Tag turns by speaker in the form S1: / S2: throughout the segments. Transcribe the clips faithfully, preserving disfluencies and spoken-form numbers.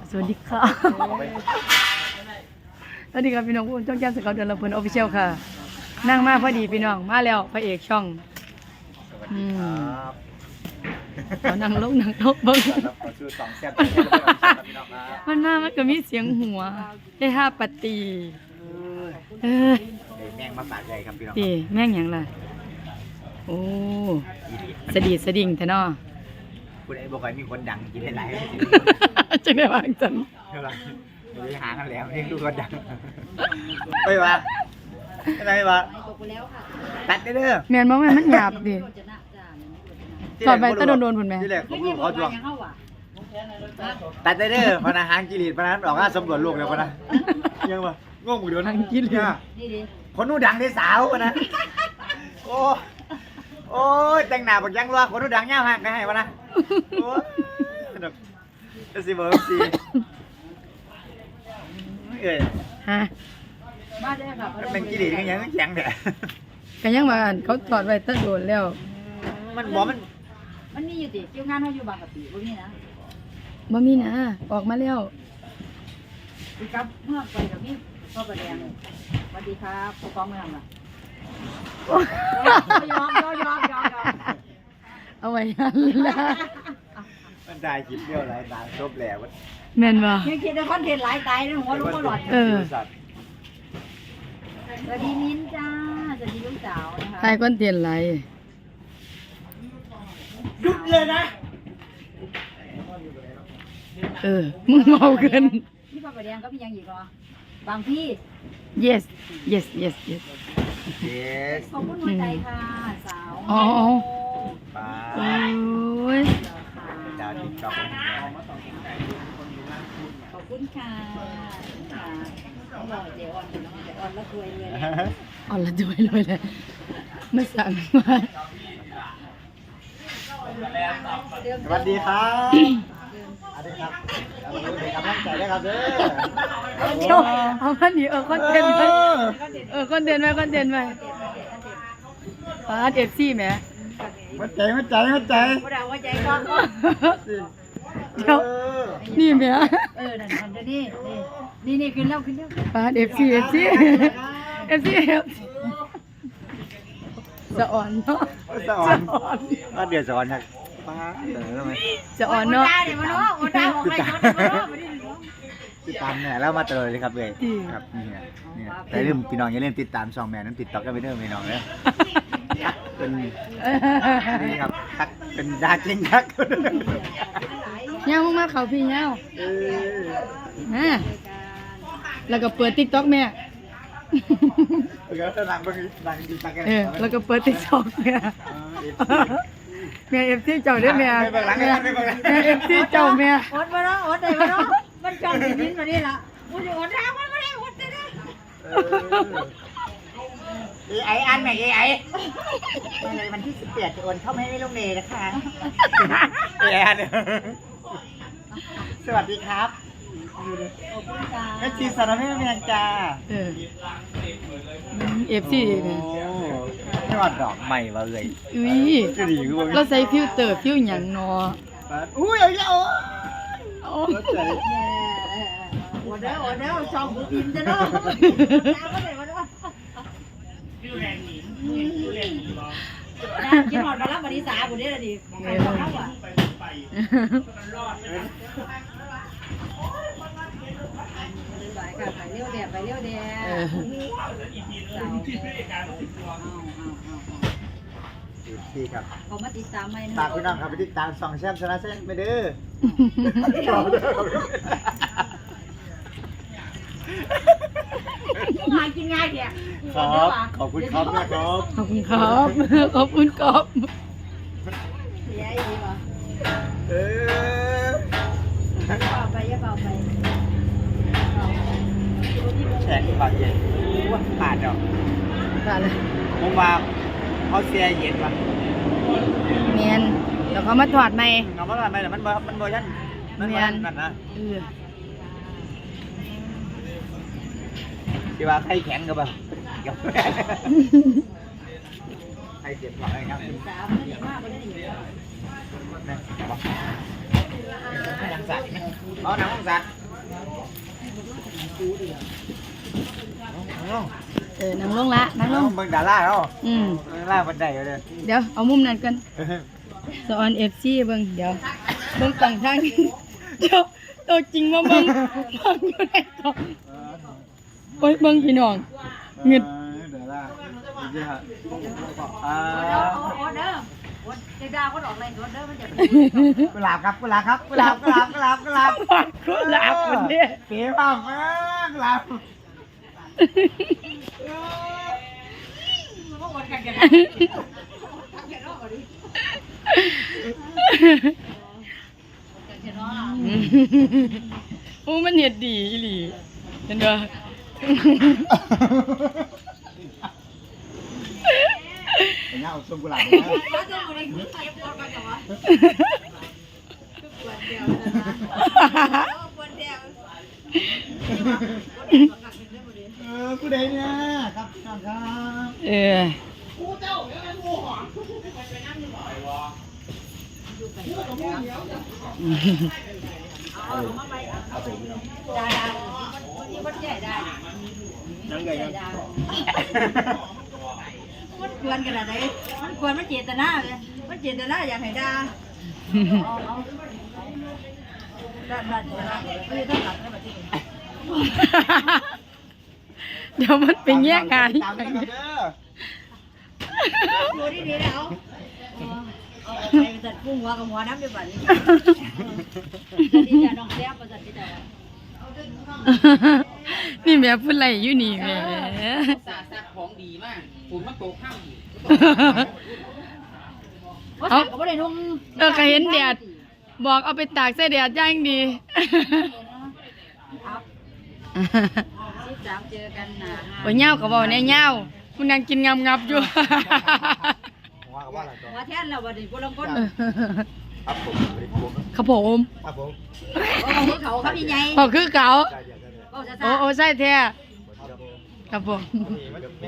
S1: สวัสดีค่ะสวัสดีครับพี่น้องผู้ชมช่องแก้มสกาวเดือนละเพิ่นออฟฟิเชียลค่ะนั่งมาพอดีพี่น้องมาแล้วพระเอกช่องอืมเขานั่งลงนั่งลงเบิ่งมันมามันก็มีเสียงหัวได้ห้าปฏิเออ
S2: แม่งมาปากใหญ่ครับพี่น้อง
S1: ดีแม่งหยังล่ะโอ้สะดีสะดิ่งแท้เนาะ
S2: คุณไอ้บอกว่ามีคนดังกินได้หลาย
S1: จังได้วางจัน
S2: เท่าไหร่ไปหากันแล้วนี่ดูคนดังไม่ว่าอะไรวะตัดได้เด้อ
S1: แม่นบ่แม่นมันหยาบดิถอดไปตะโดนๆพุ่นแม่
S2: ที่แรกผมรู้เขาจวงตัดได้เด้อพนักงานกิริตพนักงานออกงานสำรวจโลกแล้วพนักยังวะงงหมดเดี๋ยวนั่งกินเลยคนนู้ดังได้สาวนะโอ้โอ้ยแต่งหน้าบอกยังรัวคนนู้ดังเงาหักได้ให้วะนะโอ้ยจะสิบอกสิเอ้ย
S1: ฮะ
S2: มันเป็นกิริตกันยังแข็งแต่
S1: ก็ยังว่าอั่นเขาถอดไว้ตะโดนแล้ว
S2: มันบอกมัน
S3: มันมีอยู่ติคิวงานเขาอยู่บางกะปิบ่มีนะ
S1: บ่มีนะออกมาแล้ว
S3: อีกับเมื่อไปกับมีพ่อประแดงสวัสดีครับผู้กองเมืองล่ะยอมยอมยอมยอมยอม
S1: เอาไว้นั่นล่ะ
S2: มันได้คลิปเดียวหลายตาจบแล้วมัน
S1: แม่นบ่
S3: ยังคิดในคอนเทนต์หลายตายนะหัวลูกก็หลอด
S1: เออ
S3: สวัสดีมิ้นจ้าสวัสดีลูกสาวนะคะ
S1: ตายคอนเทนต์หลาย
S2: หยุดเลยนะ
S1: เออมึงเมาเกิน
S3: พี่พ่อประแดงก็มียังอีกเหรอ บางพี่
S1: yes yes yes yes
S2: เยส
S3: ขอบคุณหัวใจค่ะสาว
S1: อ๋อ
S2: ป้า
S1: โอ้ย
S2: ดาวติ๊กต็อก
S3: ขอบคุณค่ะค่ะต้องรอเจออนเนาะเจออนแล้วรวยเลย
S1: อ่อนละด้วยเลยเลยไม่สั่งมา
S2: สวัสดีครับสวัสดีครับเป็นกำลังใจด้วยครับเด้อ
S1: เดี๋ยวเอามาดิเออคอนเทนต์ไปเออคอนเทนต์ไปคอนเทนต์ไปปาดเอฟซีแหม
S2: หัวใจหัวใจหัวใจ
S3: หัวใจหัวใจก็
S1: เดี๋ยวนี่แหม
S3: เออนั่นมันจะนี่นี่นี่ขึ้นแล้วขึ้นแล้ว
S1: ปาดเอฟซีเอฟซีเอฟซีเอฟซีจะอ่อนเนาะ
S2: สอนก็เดี๋ยวสอนครับป้าเดี๋ยวทำไม
S1: จะอ่อนเนาะ
S3: ได้เลยมาเนาะได้ของใครคนมาเนาะมาดิ
S2: ติดตามเนี่ยแล้วมาตลอดเลยครับเลยครับนี่นะนี่นะแต่ลืมพี่น้องอย่าลืมติดตามช่องแม่นั้นติดต่อกันไปเด้อพี่น้องเลยเป็นนี่ครับทักเป็นดาจริงทัก
S1: ย่างมากๆเขาพี่ย่าง
S2: เออ
S1: อ่าแล้วก็เปิดติ๊กต็อกแม่
S2: แล้วก็นั่งบังนั่งดีตักกัน
S1: เออแล้วก็เปิดติ๊กต็อกแม่แม่เอฟซีเจ้าเด้อแม่แม่เอฟซีเจ้าแม่
S3: อดมาเนาะอดได้มาเนาะมันจองสิมินมานี่ล่ะกูจะอดได้มันไม่ได้อดได้
S2: เอไออันไหนเอไอในวันที่สิบแปดจะโอนเข้าไม่ได้ลงเนยนะคะเอไออันสวัสดีครับ
S3: ขอบคุณค่ะ
S2: แม่ชีสารแม่เมียงจ้า
S1: เออเอฟซีแม่
S2: ยอดดอกใหม่มาเลย
S1: อุ้ย
S2: จะดีกว่า
S1: เราใส่ฟิลเตอร์ฟิลหยังเนาะ
S2: อุ้ยเอาเยอะ
S1: โอ้
S3: อดได้อดได้จองกูอินจะเนาะตามมาเลยมาเนาะกินหอดมาแล้ววันที่สามวันนี้ละดิใครบอกเขาอ่ะไปเลี้ยวแดดไปเลี้ยวแดด
S1: เออ
S2: พี่ครับ
S3: เขามาติดตามไหม
S2: ฝากพี่น้องครับไปติดตามสองแชมป์ชนะเส้นไปเด้อ
S3: มากินง่ายแก
S2: ครับขอบคุณครับแม่ครับ
S1: ขอบคุณครับขอบคุณครับ
S3: เสียอีกวะ
S2: เออ
S3: เบาไปอย่าเบาไป
S2: แขกบาดเจ็บว่าปาดดอก
S1: ว่าเลย
S2: ผมว่าเขาเสียเย็นว่ะ
S1: เมียนแล้วเขามาถอดใหม่
S2: เงาว่าอะไรแต่มันมันเวอร์ชันมันเวอร์ชันนั่นนะ
S1: เออ
S2: ที่ว่าใครแข็งกับป่ะกับใครเจ็บหลังอะไรครับ
S3: สามนี่มากไปได้ดี
S2: นี่บอกให้หลังสัตว์เอาหนังสัตว์
S1: เออนั่งลงละนั่งลง
S2: เบิ่งดาราเนาะ
S1: อืม
S2: ดาราบันไดเอาเด้อ
S1: เดี๋ยวเอามุมนั้นกันสอน เอฟ ซี เบิ่งเดี๋ยวเบิ่งต่างทางเดี๋ยวตัวจริงมาเบิ่งเบิ่งอยู่ในกล่องโอ้ยเบิ่งพี่น้องเงึด
S2: ดาราจริงๆฮะอ่า
S3: ออเดอร์เด็กดาวเขาออกอะไรออเดอร์มันจะ
S2: กุหลาบครับกุหลาบครับกุหลาบกุหลาบกุหลาบกุหลาบ
S1: กุหลาบคนเนี้ย
S2: เป๋มากมากกุหลาบ
S1: โอ้มันเห็ดดีอีหลีเห็นบ่
S2: เป็นเงาส้มกุหลาบนะ เออผู้ใดเนี่ยครับครับครับ
S1: เออ
S3: ได้ได้คนที่คนใหญ่ได้
S2: ยังไงครับ
S3: มันควรขนาดไหนมันควรมันเจตนาเลยมันเจตนาอยากให้ด่าเอาเอาด้านด้านด้านไม่ได้หลักนะแบบนี้
S1: เดี๋ยวมันเป็นแย่งงาน
S2: ตามกันเด้อ
S3: ดูดีดีแล้วเอาไปจัดกุ้งหัวกับหัวน้ำเดี๋ยวบัดนี้จะน้องแซ่บประจัดที่ไหน
S1: นี่แม่พูดอะไรอยู่นี่แม่
S4: สาสักของดีมากฝุ่นมันโตข้ามอยู่
S3: เอาก็ไม่ได้นุ่ง
S1: เออก็เห็นแดดบอกเอาไปตากใส่แดดย่างดี
S3: ครับสิบสามเจอกันนะ
S1: โอ้ยเหย้าก็บอกแน่เหย้าคุณนางกินงับงับๆอยู่
S2: ว่าว่าอะไรต่อ
S3: ว่าแท่นเราบัดนี้พวกเราคน
S2: ครับผม
S1: ครับผม
S2: ครับผม
S3: เขาเขาเขาพี่ใหญ่
S1: พอคือเก่า
S2: ได้เดี๋ยวได้เดี๋ยว
S3: เขาจะ
S1: โอ้โอ้ใช่แท้
S2: ครับผม
S1: ครับผม
S2: นี่มันแม่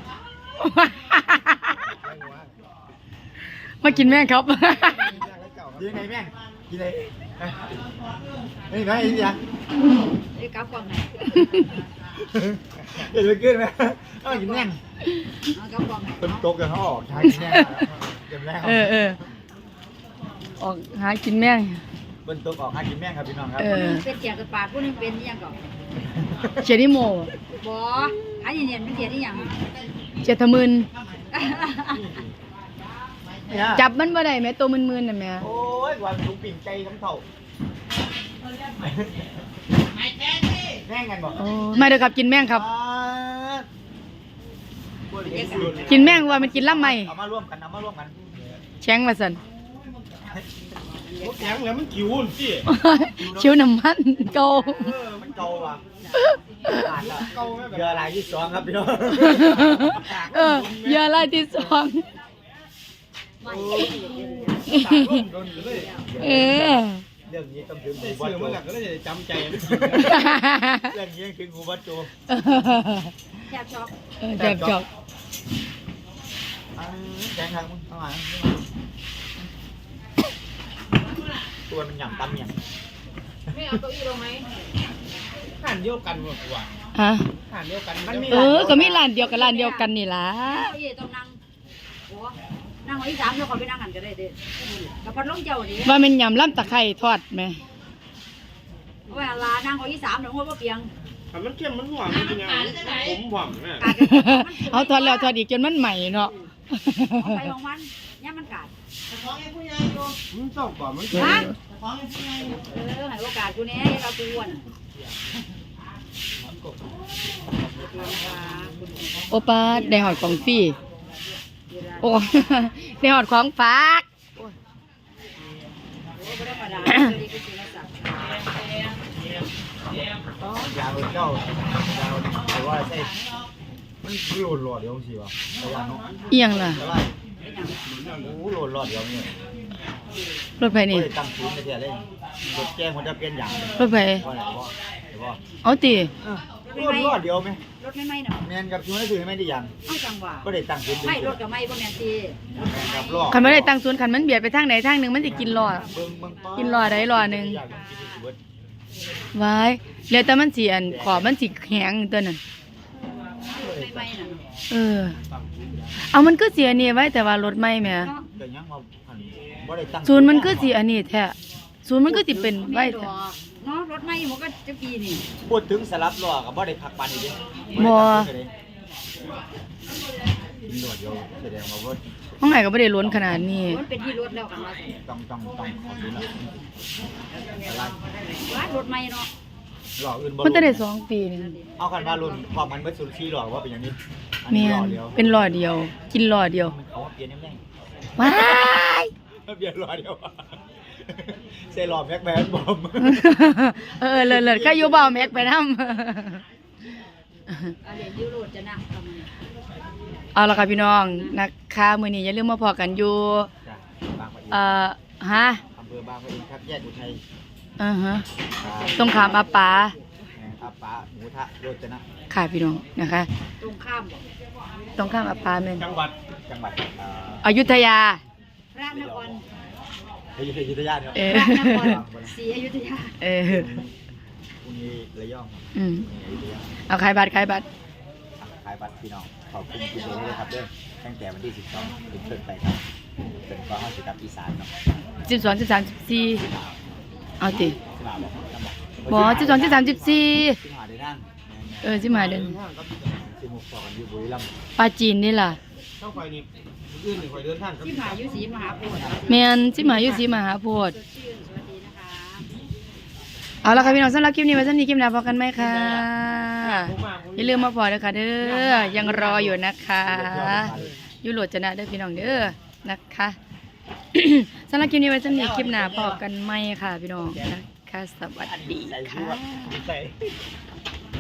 S1: มากินแม่งครับ
S2: กินไงแม่กินไงนี่ไงอีกอย่าง
S3: ไอ้กับกองไหน
S2: เดี๋ยวจะกินไหมเออกินแม่ง
S3: เอากับกองไหน
S2: เป็นตกกันเขาออกใช้กินแม่งกินแม่ง
S1: เออเออออกหากินแม่ง
S2: เป็นตกออกหากินแม่งครับพี่น้องครับ
S1: เออ
S3: เป็นเจียกับปากผู้นึงเป็นยังก่อน
S1: เจนิโม
S3: บ่อันนี้เนี่ยเป็นเจียที่ยัง
S1: เจตมึน
S2: เนี่ย
S1: จับมันบ่ได้แม่ตัวมึนๆน่ะแม่
S2: โอ้ยวันลุงปิ่งใจน้ำเท่าแม่งกันบอก
S1: โอ้มาเด้อครับกินแม่งครับ กินแม่งว่ามันกินลำไหม
S2: เอามาร่วมกันเอามาร่วมกัน
S1: แช้งว่าซั่น
S2: แข็งแล้วมันขิวสิ
S1: ชิวน้ำมันเก่า
S2: เออมันเก่าว่ะขาดละเรืออะไรที่สองครับพี่น้อง
S1: เออเหยอะลายที่สอง เออ
S2: เรื่องนี้ต้องถึงหูวัดโจก็เลยจำใจเรื่องนี้ถึงหูวัดโจ
S3: แทบช็อก
S1: เออจับจอก
S2: แข็งทางมึงเข้ามาตัวมันหยั่งตำหยั่ง
S4: ไม่เอาเก้าอี้ลงไหมผ่านเดียวกันหมดว่ะ
S1: ฮะ
S4: ผ่านเดียวกันมันมี
S1: เออก็มีร้านเดียวกับร้านเดียวกันนี่ล่ะ
S3: เก้าอี้ต้องนั่งโอ้นั่งไว้สามเดี๋ยวขอไปนั่งกันก็ได้เด้กับพัดลมเจ้าดิ
S1: ว่ามันยำล่ำตะไคร้ทอดไหม
S3: เวลานั่งไว้สามเดี๋ยวหัวบ่เปียง
S4: มันเข้มมันหวานจริงๆผมหวานแม่
S3: กาดกัน
S1: เอาทอดแล้วทอดอีกจนมันใหม่เนาะ
S3: ของใครของมันย่ามันกาด
S4: มันต้องก่อนมัน
S1: เออ
S3: เออให้โอกาสกูแน่เรากูอ้วน
S1: โอป้าได้หอดของฟรีโอ้ ได้หอดของฝาก
S3: โอ้ไม่ได้ประดาดีกูกินแล้วสัก
S2: ยาวเจ้ายาวแต่ว่าใช่มันโหลดหลอดเดียวสิวะระยะน้อง
S1: เอียงล่ะ
S2: อะไรโอ้โหโหลดหลอดเดียวนี่
S1: รถไฟนี่
S2: โอ้ยตั้งศูนย์ไปเสียเลยรถแจ้งมันจะเปลี่ยนอย่าง
S1: รถไฟ
S2: ว่าอะไรว่าเดี๋ยวว่า
S1: เอาตี
S2: โหลดหลอดเดียวไหม
S3: รถไม่ไหม้เนาะ
S2: แมนกับชูให้ถือไม่ได้ยัง
S3: เอาจังหวะ
S2: ก็ได้ตั้งศูนย์
S3: ไม่รถกับไม่บ่แม่นตี
S2: แมนกับรอ
S1: คันไม่ได้ตั้งศูนย์คันมันเบียดไปทางไหนทางหนึ่งมันจะกินรอ
S2: เบิ่งเบิ่งป้า
S1: กินรอใดรอหนึ่ง
S2: อยากกินอีกเบิด
S1: ไว้แล้วแต่มันสิอันขอบมันสิแข็งตัวนั้น
S3: ไม่ไม่น่ะ
S1: เออ เอามันก็สิอันนี้ไว้แต่ว่ารถใหม่แหม
S3: เนาะ
S2: ก็ยังว่าอันบ่ได้ตั้ง
S1: ศูนย์มันก็สิอันนี้แท้ศูนย์มันก็สิเป็นไว้
S3: ด
S1: แท้
S3: อกเนาะรถไม่มันก็จะปีนี่
S2: พูดถึงสลับล้อก็บ่ได้พักปันอีกเด้
S1: บ่
S2: กินหนวดเดียวแสดงว่าบ่
S1: ห้องไหนก็บ่ได้ล้นขนาดนี้
S3: มันเป็นที่รถแล้วกันว่า
S2: ต้องต้องต้องขอดูนะอะไร
S3: ว่ารถไม่เนาะ
S2: ล้ออื่นบ่
S1: มันจะได้สองปีนี่
S2: เอากันว่ารุ่นพอมันเบิดสุดที่ล้อว่าเป็นอย่างนี้อัน
S1: แม่
S2: นี้ล้อน เดียว
S1: เป็นล้อเดียว กินล้อเดียว
S2: มันเขาว่าเปลี่ยนยังไง
S1: ว้าย
S2: เปลี่ยนล้อเดียวใส่ล้อแม็กแบนบอม
S1: เออเลิศๆก็อยู่บ่าวแม็กไปนำ
S3: อันนี้ยูโรจะนั่งทำไม
S1: เอาล่ะค่ะพี่น้องนะคะมื้อนี้อย่าลืมมาพอกันอยู่
S2: จ้ะบางปะอิน
S1: เอ่อฮะ
S2: อำเภอบางปะอินครับแยกอุทัย
S1: อือฮะ
S2: ครับ
S1: ตรงขามอาปา
S2: อาปาหมูทะโรจนะ
S1: ค่ะพี่น้องนะคะ
S3: ตรงข้ามบอก
S1: ตรงข้ามอาปาแม่น
S4: จังหวัด
S2: จังหวัดเอ่อ
S1: อยุธยา
S3: พระนคร
S2: อยุธยายุธยาเนี่ย
S1: เออ
S3: พระนครศรีอยุธยา
S1: เออ
S2: พรุ่งนี้ระยอง
S1: อืม
S2: พรุ่งนี้อยุธยา
S1: เอาขายบัตรขายบัตร
S2: ขายบัตรพี่น้องขอบคุณคุณเบลเลยครับเด้อตั้งแต่วันที่สิบสองเป็นต้นไปครับเป็นฟ้าห้าสิบกับอีสานเนาะ
S1: สิบสองสิบสามสิบสี่เอาติ
S2: สิบห้าบอกจำบอก
S1: บอสิบสองสิบสามสิบสี่
S2: สิบห้าได้นั่ง
S1: เออสิมาเดิน
S2: สิบหกต่อกันอยู่บุรีรัมย์
S1: ปลาจีนนี่ล่ะ
S4: ต้องคอยนี่อื่นนี่คอยเดินทางครับ
S3: ที่มหายุศรีมหาโพธิ์
S1: แมนสิมาอยู่สิมาหาโพด
S3: สดชื่นสวัสดีนะคะ
S1: เอาละค่ะพี่น้องสำหรับคลิปนี้ไว้สักนี้คลิปหน้าพอกันไหมคะอย่าลืมมาพอเด้อค่ะเด้อยังรออยู่นะคะยุโรจนะเด้อพี่น้องเด้อนะคะ สำหรับคลิปนี้ไว้สักนี้คลิปหน้าพอกันไหมค่ะพี่น้องนะคะสวัสดีค่ะ
S2: ใส่